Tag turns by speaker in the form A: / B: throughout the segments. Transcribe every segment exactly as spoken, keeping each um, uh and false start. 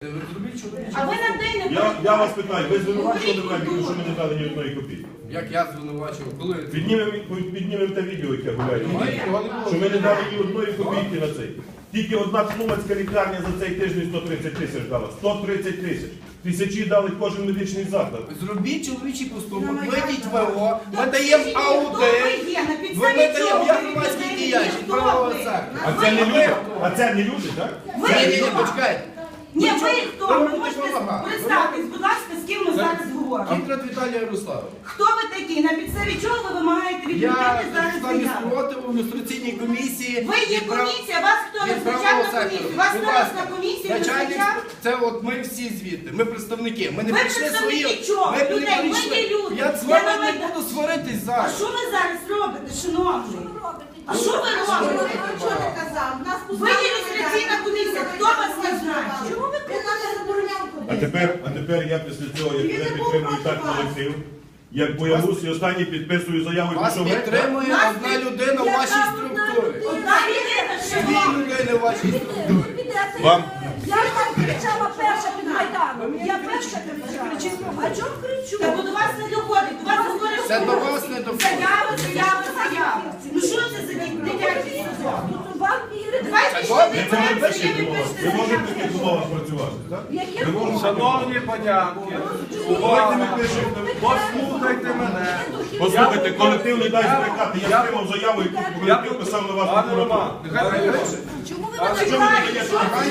A: А ви на день не
B: Я, я вас питаю, ви звинувачували мене, тому що ми не дали ні одної копійки?
C: Як я звинувачував? Коли?
B: Піднімемо, піднімемо те відео, яке гуляє. Що ми не дали ні одної копійки на цей. Тільки одна Тлумацька лікарня за цей тиждень сто тридцять тисяч дала. сто тридцять тисяч. Тисячі дали кожен медичний заклад.
C: Зробіть чоловічий поступок, вийдіть в ВО, ми даємо аудит, ми даємо я громадський діячий, правового сектора.
B: А це не люди? А це не люди, так?
C: Ні, ні, ні, почекайте.
A: Ні, ви хто? Ви можете представитись, будь ласка, з ким ми зараз говоримо.
C: Контрат Віталія Ярославович.
A: Хто ви такі? На підставі чого ви вимагаєте від
C: Я
A: людей зараз
C: член
A: заяву?
C: спротиву в ілюстраційній комісії.
A: Ви є
C: від прав-
A: комісія, вас хто
C: від
A: визначав
C: правового
A: на комісію?
C: сектору.
A: Вас
C: Будь
A: хто нас
C: ласка,
A: на комісії
C: начальник,
A: визначав?
C: це от ми всі звідти, ми представники. Ми не
A: Ви
C: прийшли
A: представники
C: свої.
A: чого?
C: Ми не
A: Людей, ми
C: прийшли.
A: є люди.
C: Я з
A: Я
C: вами
A: на
C: не
A: Майдані.
C: буду сваритись
A: А
C: зараз.
A: що ви зараз робите, шановний? А що ви робите?
D: Чого ти казав? Нас
A: Ви є ілюстраційна комісія, хто вас назначив?
D: Чому ви нас не забороняв
B: А тепер, а тепер я після цього, як я підтримую так колектив, як боягуз і останній підписую заяву, і
C: Вас
B: пішов геть.
C: підтримує
A: Нас
C: одна людина в вашій структурі.
A: Одна людина,
C: Дві
A: шановний.
C: людини в вашій структурі.
B: Вам?
D: Я там кричала перша під Майданом. Я перша кричала. А чому кричу?
A: Та бо до вас не доходить, до вас говорить.
C: Це до вас не доходить.
A: Заява, заява, заява. Ну що це за дитячий садок?
D: Тут вам вірити.
A: Давайте
C: Це
A: ще
C: добре,
A: не
B: Це не
A: знаєте,
B: таких
A: ви
B: умовах.
A: пишете
B: Ви можете в
A: заяву.
B: таких умовах працювати, так?
D: Яке
E: Шановні панянки, увага, послухайте мене.
B: Послухайте, колектив не дасть збрехати. Я отримав заяву, яку
E: Я
B: колектив писав на вас.
E: Пане Роман, нехай вирішить.
D: Чому ви
B: А що ви не даєте?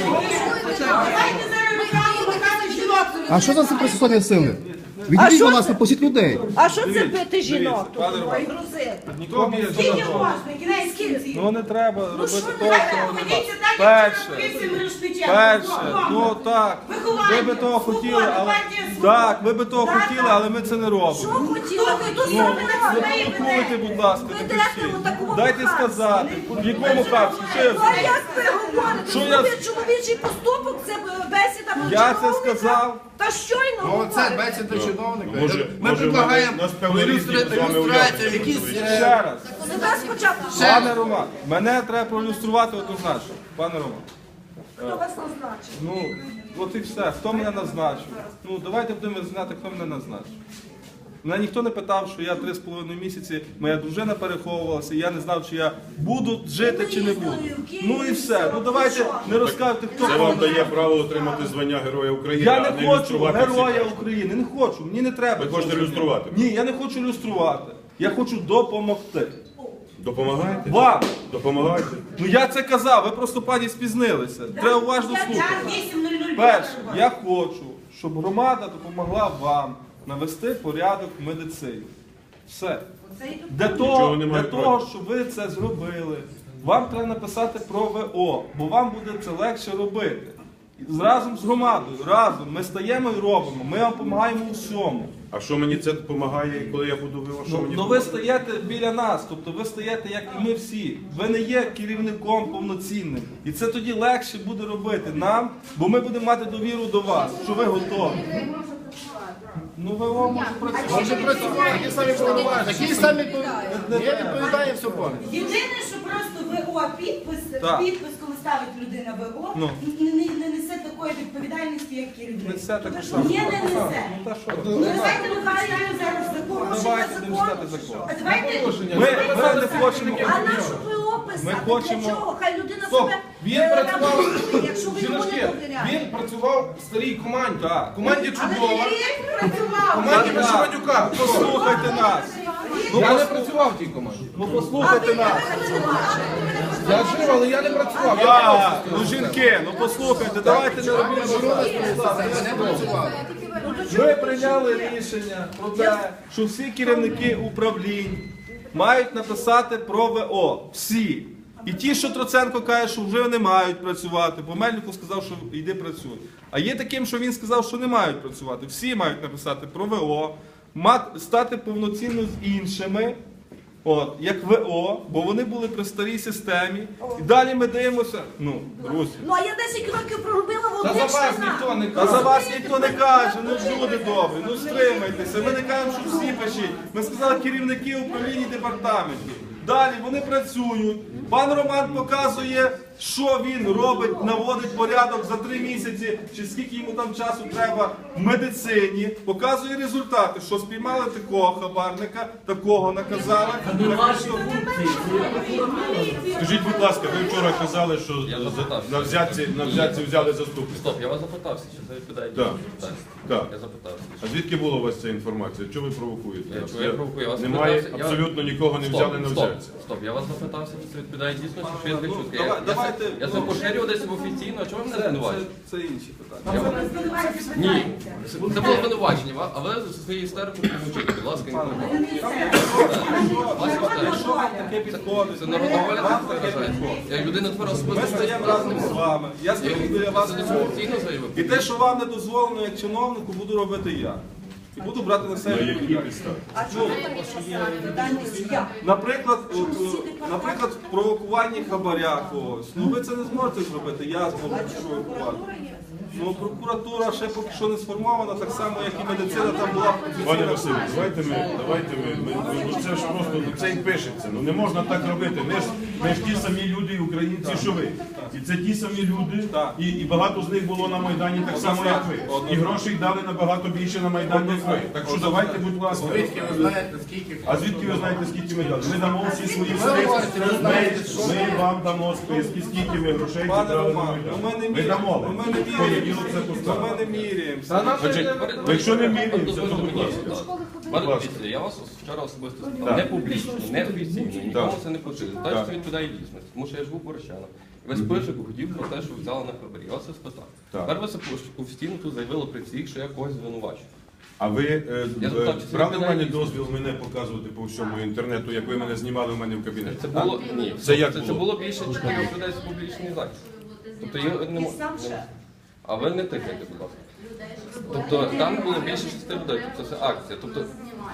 A: Давайте зараз руками махати жінок.
F: А що за це процесуальні сили? Відійдіть, будь ласка, пустіть людей.
D: А що це
E: Дивіться,
D: бити жінок?
E: дивіться, пане Роман.
D: Ой, грузити.
E: Нікому є
A: Скільки
E: задача.
A: можна, кінець кінців.
E: Ну не треба робити того,
A: Давайте
E: що
A: поведіться
E: нема.
A: так, як
E: Перше,
A: вчора Борисом Мирошничем.
E: перше, ну так,
A: Виховання,
E: ви би того хотіли,
A: свобода,
E: але
A: партія «Свобода».
E: так, ви би того
A: Так,
E: хотіли,
A: так.
E: але ми це не
D: Що
E: робимо.
D: хотіла? Ви тут
E: Ну,
D: зробили
E: ви
D: своє
E: спілкуйте, будь ласка,
D: Ви
E: таке
D: йдете
E: всі.
D: у такому
E: Дайте
D: хаосі.
E: сказати, в якому капсі, що я
D: А
E: зробив?
D: як ви говорите?
E: Що я-
D: Зробіть чоловічий поступок, це бесіда
E: Я це
D: чиновника.
E: сказав.
D: Та щойно
C: Ну, це
D: говорите.
C: бесіда чиновника.
B: Може-
C: Ми
B: може,
C: предлагаємо
B: нас певний рік
C: ілюстра-
B: з вами
C: ілюстрацію,
B: уявити,
C: якісь...
B: що
C: е,
E: Ще раз.
D: Себе спочатку.
E: Пане Роман, мене треба проілюструвати однозначно. Пане Роман.
D: Хто вас назначив?
E: Ну, от і все. Хто мене назначив? Ну, давайте будемо знати, хто мене назначив. Мене ніхто не питав, що я три з половиною місяці, моя дружина переховувалася, і я не знав, чи я буду жити, чи не буду. Ну і все. Ну давайте не розказуйте, хто
B: Це вам
E: кого.
B: дає право отримати звання Героя України,
E: Я
B: а
E: не
B: не
E: хочу
B: ілюструвати
E: героя
B: всіх.
E: України, не хочу, мені не треба.
B: Ви
E: цього
B: хочете
E: робити.
B: ілюструвати?
E: Ні, я не хочу ілюструвати. Я хочу допомогти.
B: Допомагаєте?
E: Вам.
B: Допомагаєте?
E: Ну я це казав, ви просто пані спізнилися. Треба уважно
A: Я
E: слухати.
A: час вісім нуль нуль.
E: Перше, я хочу, щоб громада допомогла вам навести порядок в медицині. Все. Для того,
B: Нічого
E: для
B: немає
E: того, щоб ви це зробили, вам треба написати про ВО, бо вам буде це легше робити. І разом з громадою, разом ми стаємо і робимо, ми вам допомагаємо у всьому.
B: А що мені це допомагає, коли я буду виво? Що
E: Ну,
B: мені
E: ну ви
B: допомагає?
E: стаєте біля нас, тобто ви стаєте, як і ми всі. Ви не є керівником повноцінним. І це тоді легше буде робити нам, бо ми будемо мати довіру до вас, що ви готові. Ну ви може працювати.
C: Може працювати, такі самі повноваження, такі самі повноваження. Я відповідаю все повністю.
A: Єдине, що просто ВО підпис,
E: Так.
A: підпис, коли ставить людина ВО,
E: Ну.
A: не, не, не несе такої відповідальності, як керівник.
E: Несе так само.
A: Ні, не несе.
E: Ну та що?
A: Ну, давайте ми починаємо зараз закон.
E: Давайте будемо читати закон.
A: А давайте
E: Ми, ми не хочемо.
D: А нашу ВО писати?
E: Ми хочемо-
D: Для чого? Хай людина
E: Стоп.
D: себе
G: Він
D: е,
G: працював-
D: реабілітує, якщо ви йому не
G: Жіночки,
D: довіряєте.
G: він працював в старій команді.
E: Так.
G: Команді
A: Але
G: чудова.
A: керівник працював.
G: Команді
E: Так,
G: Вишиванюка.
E: Послухайте нас.
G: Я не працював в тій команді.
E: Ну послухайте нас.
G: Я жив, але я не працював. Я
E: А, ну жінки, ну послухайте, давайте не робіть базар.
C: Не працював.
E: Ми прийняли рішення про те, що всі керівники управлінь мають написати про ВО. Всі. І ті, що Троценко каже, що вже не мають працювати, бо Мельнику сказав, що йди працюй. А є таким, що він сказав, що не мають працювати. Всі мають написати про ВО, мати- стати повноцінно з іншими, от, як ВО, бо вони були при старій системі. І далі ми дивимося, ну, друзі.
D: Ну, а я десять років проробила в
G: Та
D: одних
G: за вас
D: штанах.
G: ніхто не
E: А за
G: каже.
E: вас ніхто не каже, ну люди добрі, ну стримайтеся. Ми не кажемо, що всі пишіть. Ми сказали керівники управління департаментів. Далі вони працюють. Пан Роман показує що він робить, наводить порядок за три місяці, чи скільки йому там часу треба в медицині, показує результати, що спіймали такого хабарника, такого наказали. такого, що-
B: Скажіть, будь ласка, ви вчора казали, що за- на взятці, на взятці взяли заступника.
H: Стоп, я вас запитався, чи це відповідає
B: Так.
H: дійсно?
B: Так.
H: Я запитався.
B: А звідки була у вас ця інформація? Чого ви провокуєте?
H: Я чого я провокую? Я вас
B: Немає,
H: запитався, я-
B: абсолютно нікого не
H: Стоп,
B: взяли на
H: стоп,
B: взятці.
H: Стоп, я вас запитався, чи це відповідає дійсно, чи що я
E: Ну,
H: чутки.
E: давай-
H: Я, я,
E: давайте-
H: це- я це поширював десь офіційно, а чого ви мене
E: Це, це,
H: звинувачуєте?
E: це інші питання.
H: Я вам- Ні,
A: Ні.
H: це це було звинувачення, ва- а ви зі своєю істерикою помовчите, будь ласка, інформацію.
E: Що вам таке підходить?
H: Це народна воля так виражається. Як людина тепер
E: Ми
H: особисто
E: стаємо разом з вами. Я стою біля вас.
H: це офіційно заявив.
E: І те, що вам не дозволено як чиновнику, буду робити я. І буду брати на
B: На
E: себе.
B: які підстави?
D: А чому відповідальність я?
E: Наприклад, от, е, наприклад, в провокуванні хабаря когось. Ну ви це не зможете зробити, я зможу провокувати. Ну, прокуратура ще поки що не сформована, так само, як і медицина там була
B: Пане
E: офіційна.
B: Василю, давайте ми, давайте ми, ми, ми- ну це ж просто, ну це і пишеться. Ну не можна так робити. Ми ж, ми ж ті самі люди, українці, що ви. І це ті самі люди,
E: Так.
B: і, і багато з них було на Майдані так само, як ви. І грошей дали набагато більше на Майдан, як ви. Так що давайте, будь ласка.
C: Звідки ви знаєте, скільки?
B: А звідки ви знаєте, скільки ми дали? Ми дамо всі свої списки. Ми, ми вам дамо списки, скільки ми грошей
E: Пане
B: зібрали на
E: Роман,
B: Майдан.
E: ну ми не
B: Ми
E: міряємо.
B: дамо.
E: Ну, ми не
B: В понеділок це
E: Ну,
B: поставимо.
E: ми не міряємося.
B: Значить, якщо не міряємося, то будь ласка.
H: Пане
B: ласка.
H: Віце, я вас вчора особисто
B: Так.
H: сказав, не публічно, не офіційно, нікому
B: Так.
H: це не поширюю. Так,
B: Так.
H: що це відповідає дійсності, тому що я живу в Борщанах. І весь пишик хотів про те, що ви взяли на хабарі. Я вас це спитав.
B: Так.
H: Тепер ви це офіційно тут заявили при всіх, що я когось звинувачую.
B: А ви е,
H: Я
B: е,
H: запитав, чи це
B: брали в
H: відповідає
B: мене
H: дійсності?
B: дозвіл мене показувати по всьому інтернету, як ви мене знімали в мене в кабінеті?
H: Це було ні,
B: Це як
H: це,
B: було?
H: це було більше чотирьох людей з публічний захист. Тобто я не можу. А ви не тикайте, будь ласка. Тобто там було більше шести людей, тобто це акція. Тобто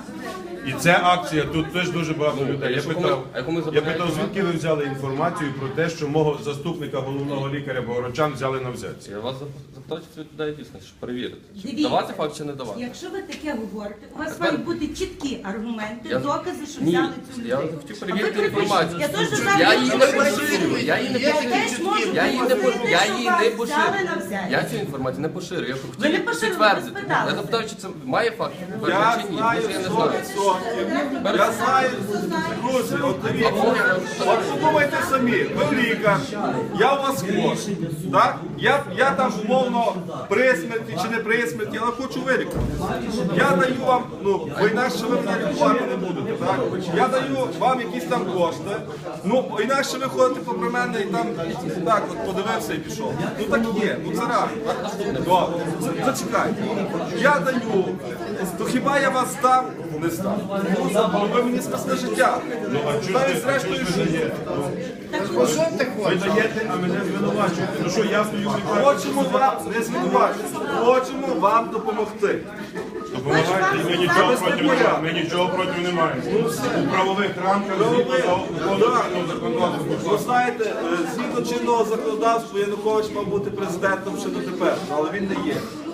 B: І це акція, тут теж дуже багато людей. Я
H: якщо
B: питав,
H: комусь- а яку ми
B: я
H: забороняємо
B: питав, звідки ви взяли інформацію про те, що мого заступника головного лікаря Богородчан взяли на взятці?
H: я вас запитав, чи це відповідає дійсно, щоб перевірити. Чи
A: Дивіться.
H: давати факт чи не давати?
A: Якщо ви таке говорите, у вас
H: Тепер-
A: мають бути чіткі аргументи,
H: Я-
A: докази, що
H: Ні,
A: взяли цю
H: я
A: людину.
H: хотів
A: А
H: перевірити
A: ви припишіть.
H: інформацію.
A: Я теж
H: Я
A: зараз
H: її не поширюю, я її не
A: Я
H: поширюю.
A: теж можу
H: Я її не по-
A: попросити,
H: я
A: щоб
H: її
A: вас
H: не
A: взяли
H: поширюю.
A: на взяття.
H: Я цю інформацію не поширюю. Я хотів
A: Ви не поширили,
H: підтвердити.
A: ви спитали.
H: Я запитав, чи це має факт
E: Я
H: підтвердження чи ні,
E: знаю
H: тому що я не
E: сто
H: знаю.
E: відсотків. Я знаю, друзі, от дивіться. От подумайте самі, ви лікар, я у вас хворий. Так? Я, я там умовно при смерті чи не при смерті, але хочу вилікувати. Я даю вам, ну, бо інакше ви мене лікувати не будете. Так? Я даю вам якісь там кошти. Ну, бо інакше ви ходите попри мене і там так от подивився і пішов. Ну так є, ну це реально. Добре, за- зачекайте. Я даю, то хіба я вас здав? Не здав. Ну, ви мені спасли життя.
B: Ну, а чого
E: Та
B: ж
E: й
B: ви- а чого
E: зрештою
B: ж ви
E: життя.
B: даєте?
C: Ну що ти
B: Ви
C: хочеш?
B: даєте, а мене звинувачуєте. Ну що, я стою в лікарні.
E: Хочемо вам не звинувачити, хочемо вам допомогти.
B: Допомагайте, і ми нічого проти не маємо. Ми нічого проти не маємо. У правових рамках згідно законодавства законодавства.
E: Ви знаєте, е, згідно чинного законодавства Янукович мав бути президентом ще дотепер, але він не є.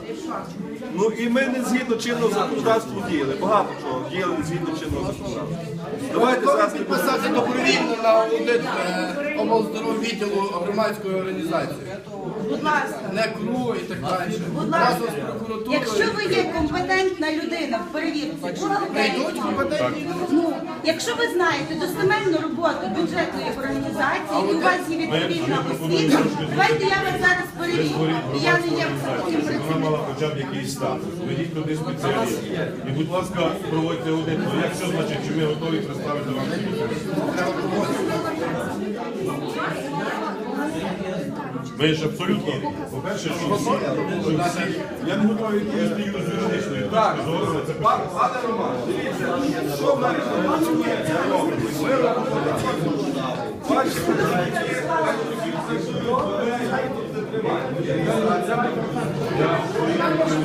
E: Ну і ми не згідно чинного законодавства діяли. Багато чого діяли не згідно чинного законодавства. Давайте
C: Готові
E: зараз не будемо.
C: підписати добровільно на аудит е, облздоров'я відділу громадської організації.
A: Будь ласка.
C: Не КРУ і так далі.
A: Будь
C: Разом
A: ласка,
C: з прокуратурою.
A: якщо ви є компетентна людина в перевірці,
C: Не йдуть компетентні люди.
A: ну, якщо ви знаєте достеменну роботу бюджетної організації, і у вас є відповідна освіта, давайте я вас зараз перевірю. І я не є високим
B: Вона
A: працівником.
B: мала хоча б якийсь статус. Ведіть туди спеціалістів. І, будь ласка, проводьте аудит. Ну як що значить, що ми готові представити вам цю Ми ж абсолютно, по-перше, що всі, що всі, я не готовий відповісти з юридичної точки зору на це питання.
E: Пан- Пане Роман, дивіться, що в мене працює, це робить. Ми робимо так. Бачите,